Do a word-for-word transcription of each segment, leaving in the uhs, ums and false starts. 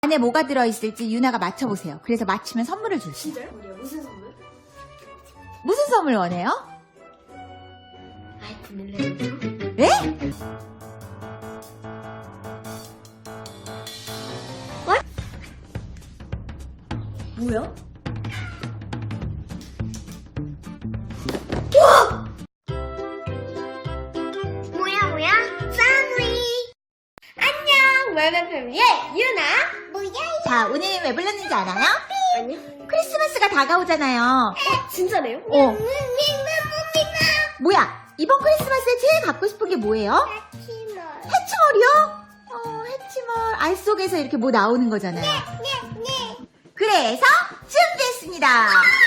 안에 뭐가 들어있을지 유나가 맞춰보세요. 그래서 맞히면 선물을 줄게요. 진짜요? 우리요? 무슨 선물? 무슨 선물 원해요? 아이폰 일레븐 네? 뭐야? 뭐야 뭐야? 패밀리 안녕 월간 패밀리의 유나 뭐야 자, 오늘 왜 불렀는지 알아요? 아니 크리스마스가 다가오잖아요. 진짜래요? 어. 뭐야? 이번 크리스마스에 제일 갖고 싶은 게 뭐예요? 해치멀이요? 어, 해치멀. 알 속에서 이렇게 뭐 나오는 거잖아요. 그래서 준비했습니다.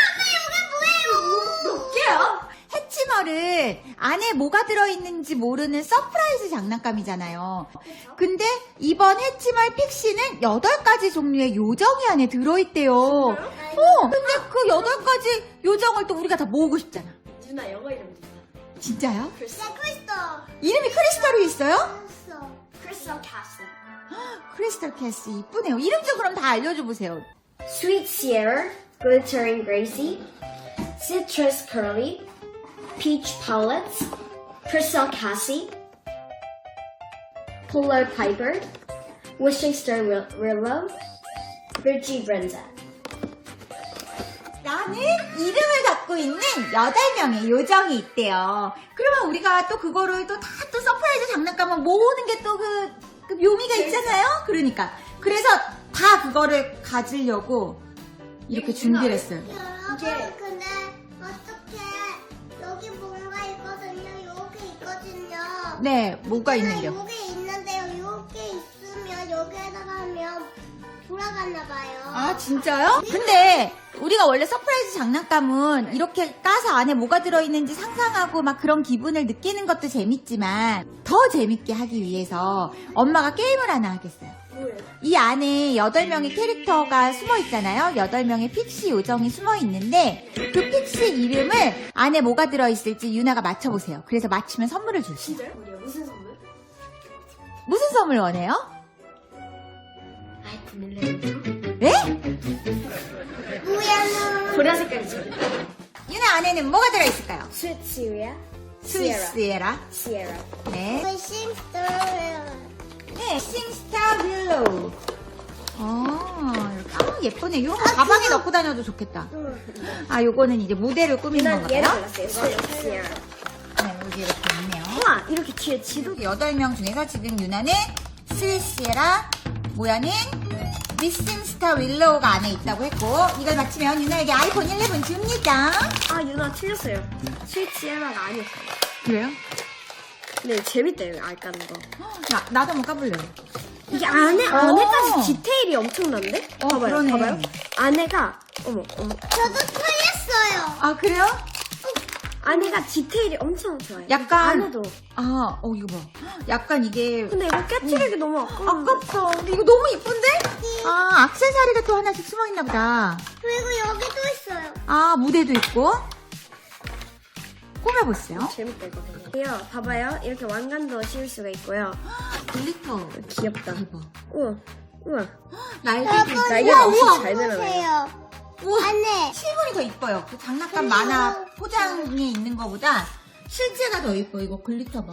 몇 개야? 해치멀은 안에 뭐가 들어있는지 모르는 서프라이즈 장난감이잖아요. 근데 이번 해치멀 픽시는 여덟 가지 종류의 요정이 안에 들어있대요. 어, 근데 그 여덟 가지 요정을 또 우리가 다 모으고 싶잖아. 유나 영어 이름 누나 진짜요? 크리스탈 이름이 크리스탈이 있어요? 크리스탈 캐슬 크리스탈 캐스 이쁘네요. 이름 좀 그럼 다 알려줘 보세요. Sweet Sierra Glittering Gracie Citrus Curly Peach Paulette Crystal Cassie Polar Piper Wishing Star Willow Virgie Brenda 라는 이름을 갖고 있는 여덟 명의 요정이 있대요. 그러면 우리가 또 그거를 또 다 또 서프라이즈 장난감을 모으는 게 또 그 그 묘미가 있잖아요. 그러니까 그래서 다 그거를 가지려고 이렇게 준비를 했어요. 여러분 근데 어떻게 여기 뭔가 있거든요. 여기 있거든요. 네, 뭐가 있는데요? 여기 있는데요. 여기 있으면 여기에다가 하면 돌아갔나 봐요. 아, 진짜요? 근데 우리가 원래 서프라이즈 장난감은 이렇게 까서 안에 뭐가 들어있는지 상상하고 막 그런 기분을 느끼는 것도 재밌지만 더 재밌게 하기 위해서 엄마가 게임을 하나 하겠어요. 뭐예요? 이 안에 여덟 명의 캐릭터가 숨어 있잖아요. 여덟 명의 픽시 요정이 숨어 있는데 그 픽시 이름을 안에 뭐가 들어있을지 유나가 맞춰보세요. 그래서 맞히면 선물을 줄게요. 진짜요? 우리요? 무슨 선물? 무슨 선물 원해요? 아이폰 일레븐 네? 뭐야 보라 색깔이죠? 유나 안에는 뭐가 들어있을까요? Sweet Sierra 스위스에라. Sierra 네. 너? 심스터예요. 네, 싱스타 윌로우. 어, 이렇게. 아, 예쁘네. 이런 거 가방에 넣고 다녀도 좋겠다. 아, 요거는 이제 무대를 꾸미는 유나 얘를 건가요? 골랐어요 Sweet Sierra 네, 여기 이렇게 있네요. 우와 이렇게 뒤에 지도 여덟 명 중에서 지금 유나는 스위스에라, 모야는 미싱 스타 윌로우가 안에 있다고 했고, 이걸 맞히면 유나에게 아이폰 일레븐 줍니다. 아 유나 틀렸어요 스윗 시에라가 아니었어요 그래요? 근데 재밌대요 알 까는 거 나, 나도 한번 까볼래요. 이게 안에 어. 안에까지 디테일이 엄청난데? 어, 봐봐요 그러네. 봐봐요 안에가 어머 어머 저도 틀렸어요. 아, 그래요? 안에가 디테일이 엄청 좋아요 약간- 안에도 아, 어, 이거 봐. 약간 이게 근데 이거 깨트리기 너무 아까워 아깝다. 근데 이거 너무 이쁜데? 아, 액세서리가 또 하나씩 숨어있나 보다. 그리고 여기도 있어요. 아, 무대도 있고. 꾸며보세요. 재밌다 이거 되게 이거 봐봐요 이렇게 왕관도 씌울 수가 있고요 글리터. 귀엽다 대박. 우와 우와 날개도 여러분 날개가 여기 엄청 잘 늘어나요. 보세요. 우와, 안에 실물이 더 이뻐요. 그 장난감 그리고- 만화 포장에 있는 거보다 실제가 더 이뻐. 이거 글리터 봐.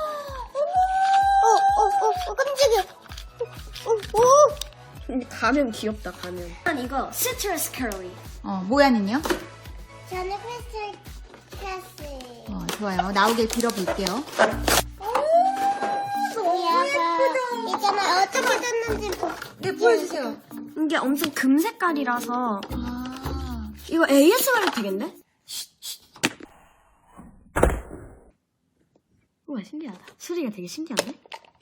어어어 깜짝이야. 오, 오. 가면 귀엽다 가면 난 이거 시트러스 커리 어, 모야는요? 저는 크리스탈 캐슬. 어, 좋아요. 나오길 빌어볼게요. 너무 예쁘다. 있잖아 어떻게 됐는지 보. 네, 보여주세요. 이게 엄청 금 색깔이라서 아, 이거 에이에스엠알 되겠네? 우와 신기하다 소리가 되게 신기한데?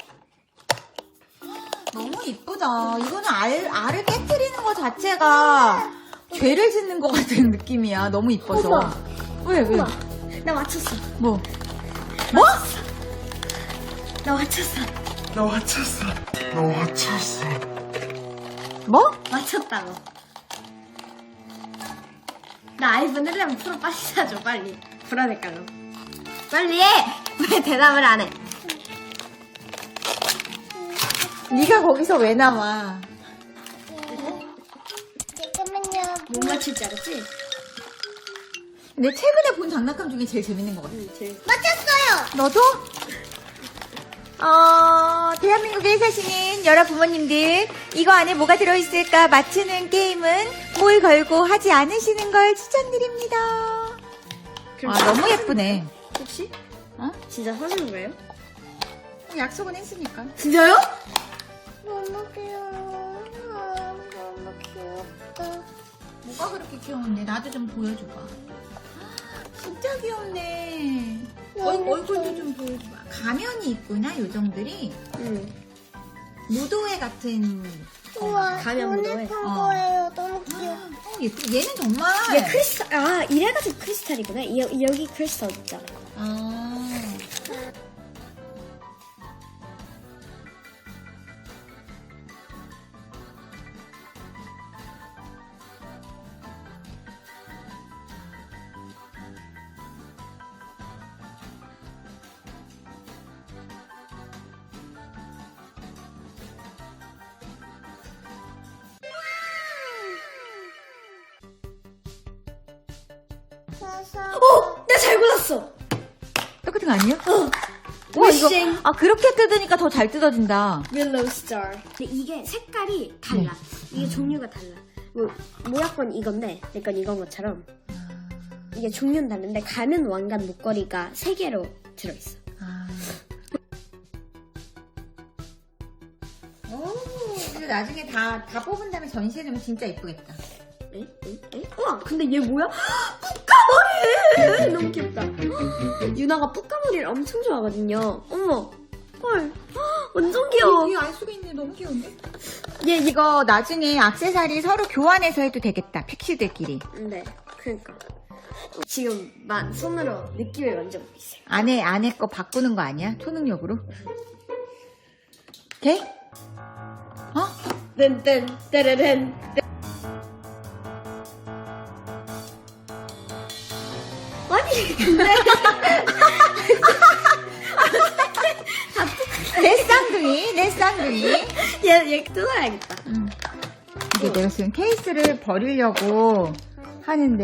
너무 이쁘다. 이거는 알, 알을 깨트리는 거 자체가 죄를 짓는 것 같은 느낌이야. 너무 이뻐서. 우와. 왜, 왜? 우와 나 맞췄어 뭐? 뭐? 나 맞췄어 나 맞췄어. 나 맞췄어. 뭐? 맞췄다고 나 아이폰 일레븐 프로 빨리 사줘 빨리 보라 색깔로 빨리 해! 왜 대답을 안 해? 네가 거기서 왜 나와? 못 맞힐 줄 알았지? 근데 최근에 본 장난감 중에 제일 재밌는 것 같아. 응, 제일. 맞췄어요. 너도? 어, 대한민국에 사시는 여러 부모님들, 이거 안에 뭐가 들어있을까 맞추는 게임은 뭘 걸고 하지 않으시는 걸 추천드립니다. 그럼 아, 너무 예쁘네. 혹시? 어? 진짜 사주는 거예요? 약속은 했으니까. 진짜요? 너무 귀여워. 아, 너무 귀엽다. 뭐가 그렇게 귀여운데? 나도 좀 보여줘봐. 진짜 귀엽네. 얼, 얼굴도 좀 보여줘봐. 가면이 있구나, 요정들이. 응. 무도회 같은. 우와, 가면 무도회. 보내준 어. 거예요. 너무 귀여워. 어, 예쁘. 얘는 정말. 얘 크리스탈, 아, 이래가지고 크리스탈이구나. 여, 여기 크리스탈 있잖아. 아. 그래서 어! 나 잘 골랐어! 똑같은 거 아니에요? 어! 와, 이거. 윙. 아, 그렇게 뜯으니까 더 잘 뜯어진다. 윌로우 스타. 근데 이게 색깔이 달라. 이게 종류가 달라. 뭐, 모약건 이건데, 내 건 이건 것처럼. 이게 종류는 다른데, 가면 왕관 목걸이가 세 개로 들어있어. 아. 오, 이거 나중에 다, 다 뽑은 다음에 전시해주면 진짜 예쁘겠다. 에? 에? 에? 우와, 근데 얘 뭐야? 뿌까머리! 너무 귀엽다. 유나가 뿌까머리를 엄청 좋아하거든요. 어머, 헐, 완전 귀여워. 이게 알 수가 있네. 너무 귀여운데? 얘 이거 나중에 액세서리 서로 교환해서 해도 되겠다. 픽시들끼리. 네, 그러니까. 지금 만 손으로 느낌을 만져보고 있어요. 안에, 안에 거 바꾸는 거 아니야? 초능력으로? 오케이? 어? 뜬뜬, 따르른. 아니, 근데. 내 쌍둥이, 내 쌍둥이. 얘, 얘 뜯어야겠다. 음. 이게 내가 지금 케이스를 버리려고 하는데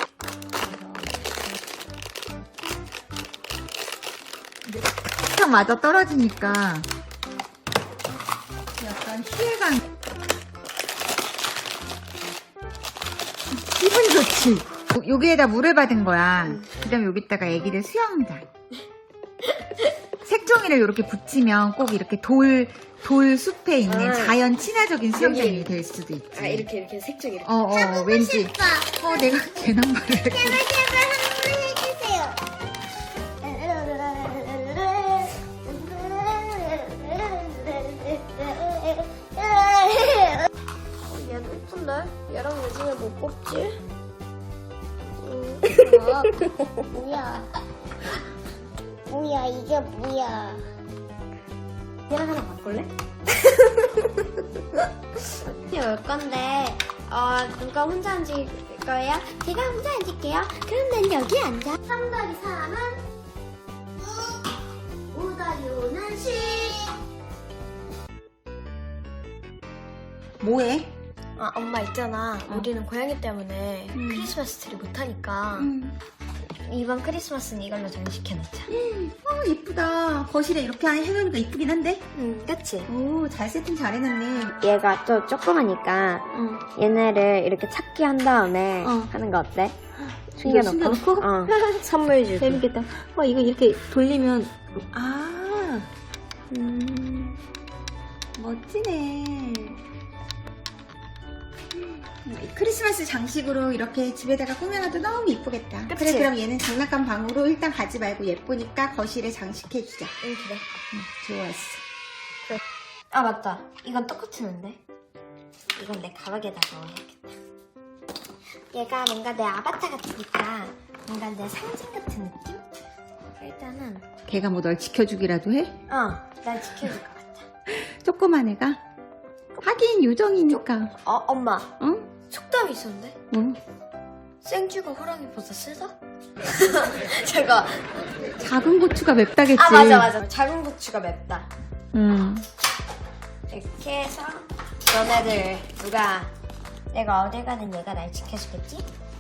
탁 맞아 떨어지니까 약간 피해감. 기분 좋지. 요- 여기에다 물을 받은 거야. 그 다음에 여기다가 애기들 수영장. 색종이를 이렇게 붙이면 꼭 이렇게 돌, 돌 숲에 있는 아. 자연 친화적인 수영장이 여기. 될 수도 있지. 아, 이렇게, 이렇게 색종 이렇게. 어, 어, 왠지. 오빠, 어, 내가 개남발을 했고. 제발 제발 한번 해주세요. 얘는 예쁜데? 얘랑 왜 중에 못 뽑지? 뭐야? 뭐야? 이게 뭐야? 얘랑 하나 바꿀래? 올 건데, 어, 누가 혼자 앉을 거예요? 제가 혼자 앉을게요. 그럼 난 여기 앉아. 삼 더하기 삼은 오 더하기 오는 십. 뭐해? 아, 엄마 있잖아. 어. 우리는 고양이 때문에 음. 크리스마스 트리 못하니까 이번 크리스마스는 이걸로 장식해놓자. 어, 이쁘다. 거실에 이렇게 해놓으니까 이쁘긴 한데? 응, 그치? 오, 잘 세팅 잘해놨네. 얘가 또 조그마니까 어. 얘네를 이렇게 찾기 한 다음에 어. 하는 거 어때? 이거 숨겨놓고? 숨겨놓고? 어. 선물 주기. 재밌겠다. 와, 이거 이렇게 돌리면. 아, 음. 멋지네. 크리스마스 장식으로 이렇게 집에다가 꾸며놔도 너무 이쁘겠다. 그치? 그래, 그럼 얘는 장난감 방으로 일단 가지 말고 예쁘니까 거실에 장식해주자. 응, 그래. 좋았어. 아, 맞다. 이건 똑같은데? 이건 내 가방에다 넣어야겠다. 얘가 뭔가 내 아바타 같으니까 뭔가 내 상징 같은 느낌? 일단은 걔가 뭐 널 지켜주기라도 해? 어, 날 지켜줄 것 같아. 조그만 애가? 하긴 요정이니까. 어, 엄마. 응? 속담이 있었는데? 뭐? 생쥐가 호랑이보다 세다? 제가 작은 고추가 맵다겠지. 아, 맞아 맞아. 작은 고추가 맵다. 응. 이렇게 해서 너네들 누가 내가 어딜 가든 얘가 날 지켜주겠지?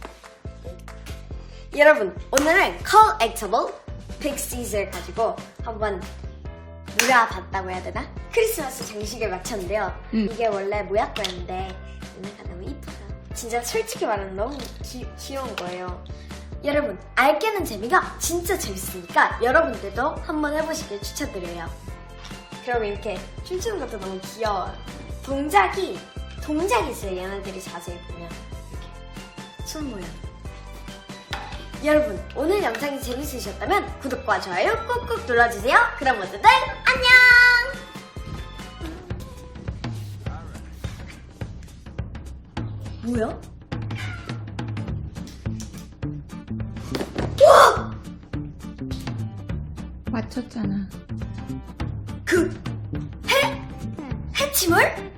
여러분, 오늘은 collectible 픽시즈를 가지고 한번 놀아봤다고 해야 되나? 크리스마스 장식을 마쳤는데요. 음. 이게 원래 모약거였는데 얘네가 너무 이쁘다. 진짜 솔직히 말하면 너무 기, 귀여운 거예요. 여러분, 알게는 재미가 진짜 재밌으니까 여러분들도 한번 해보시길 추천드려요. 그럼 이렇게 춤추는 것도 너무 귀여워요. 동작이, 동작이 있어요. 얘네들이 자세히 보면. 이렇게 손 모양. 여러분, 오늘 영상이 재밌으셨다면 구독과 좋아요 꾹꾹 눌러주세요. 그럼 모두들 안녕! 뭐야? 맞췄잖아. 그 해? 해치물?